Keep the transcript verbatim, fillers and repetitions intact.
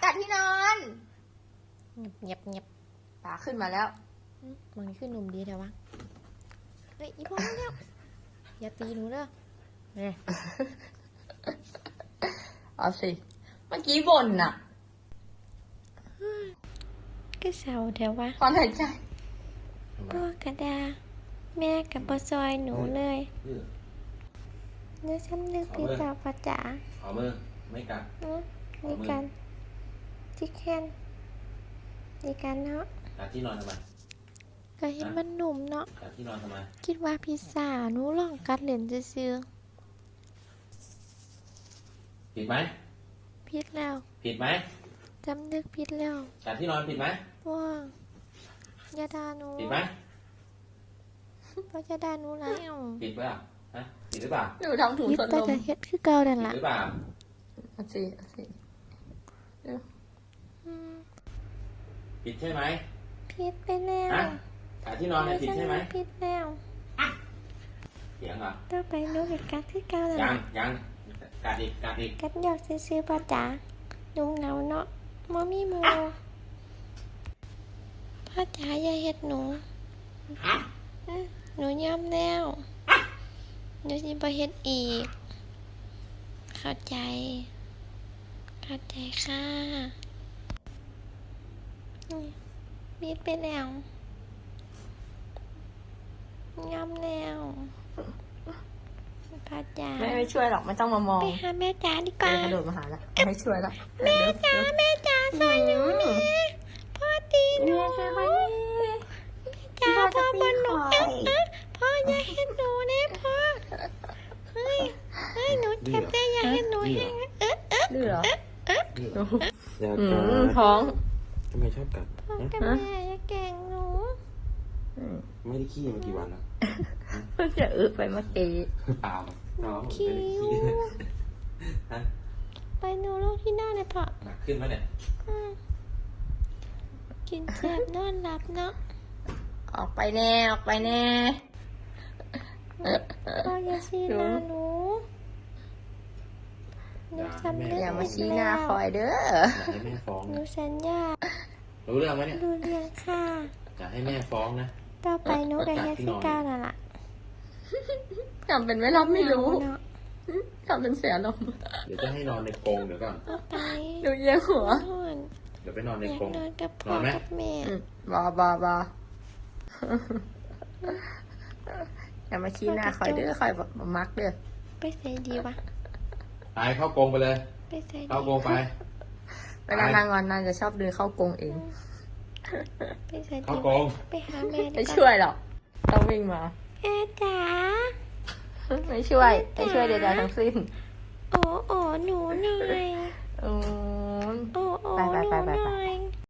กัดที่นอนเงียบเงียบป๋าขึ้นมาแล้วมันขึ้นหนุ่มดีแต่ว่าเฮ้ยอีพ่อมาแล้วอย่าตีหนูเด้อเนี่ยเอาสิ เมื่อกี้บ่นน่ะก็เศร้าแต่ว่าตอนหายใจพ่อกระดา แม่กับปอซอยหนูเลยเนื้อช้ำนึกพี่จ๋าปะจ๋าเอามือไม่กัดนี่กันที่แค้นดีกันเนาะกัดที่นอนทำไมก็เห็นมันหนุ่มเนาะกัดที่นอนทำไมคิดว่าพิซซ่าหนูลองกัดเหรียญซื้อผิดไหมๆพิษแล้วผิดไหมจำนึกพิษแล้วกัดที่นอนผิดไหมว่าอย่าด่าหนูผิดไหมเพราะจะด่าหนูแล้วผิดเปล่าฮะผิดหรือเปล่าหนูทำถุงพิษสนแต่ลมจะเฮ็ดคือเก่านั่นผิดล่ะหรือเปล่าเอาสิเอาสิอืมผิดใช่ไหมพิษไปแล้วฮะกัดที่นอนเนี่ยผิดใช่ไหมพิษแล้วเสียงเหรอต่อไปหนูเฮ็ดกัดคือเก่านั่นยังล่ะยังกัดอีกกัดอีกกัดหยอกซื้อๆป่ะจ๋าหนูเหงาเนาะบ่มีหมู่พ่อจ๋าอย่าเฮ็ดหนูอื้อหนูยอมแล้วหนูสิบ่เฮ็ดอีก เข้าใจ เข้าใจค่ะนี่บีดไปแล้วยอมแล้วพ่อจ๋าแม่ไม่ช่วยหรอกไม่ต้องมามองไปหาแม่จ๋าดีกเดิว่านกระโดดมาหาแล้วไม่ช่วยแล้วแม่จ๋าแม่จ๋าสอนหนูนี่พ่อตีหนูแม่ช่วยไหมจ๋าพ่อบนหนูเอ๊ะเอ๊ะพ่ออย่าเห็นหนูนะพ่อเฮ้ยเฮ้ยหนูเจ็บแต่อย่าเห็นหนูแห้งเอ๊ะเอ๊ะดื้อเหรออย่าอืกัมดท้องทำไมชอบกัดพ่อฮะกับแม่อย่าแกล้งหนูอืมไม่ได้ขี้มากี่วันแล้วเพิ่งจะอึไปเมื่อกี้เปล่าน้องคิ้ไม่ได้วขี้ฮะไปหนูลูกที่นอนเลยพ่อหนักขึ้นไหมเนี่ยอืมกินแซ่บนอนหลับเนาะออกไปแน่ออกไปแน่พ่ออย่าชี้หน้าหนูหนูสำนึกอย่ามาชี้หน้าคอยเด้ออยากให้แม่ฟ้องหนูนะสัญญารู้เรื่องไหมเนี่ยดูเรียงค่ะอยากให้แม่ฟ้องนะต่อไปหนูกับเฮ็ดคือเก้านั่นล่ะทำเป็นไม่รับไม่รู้เนาะทำเป็นเสียลมณ์เดี๋ยวจะให้นอนในกรงเดี๋ยวก่อนต่อไปดูเยี่ยงหัวนอนเดี๋ยวไปนอนในอยากกรงนอนกับนพ่ออนไหมกับแม่อืมบอบอบออย่ามาชี้หน้าคอยเด้อคอยแบบมักเด้อไปใส่ดีวะไปเข้ากรงไปเลยไปใส่ดีเข้ากรงไปเวลานางงอนนางจะชอบเดินเข้ากรงเองไปใส่ดีเข้ากรงไปหาแม่ดีไม่กว่าช่วยหรอกต้องวิ่งมาแม่จ๋าไม่ช่วยไม่ช่วยใดๆทั้งสิ้นโอ้โอ้หนูหน่อยอืมโอ้โอ้ไปหไปนูไปไปหไปน่อย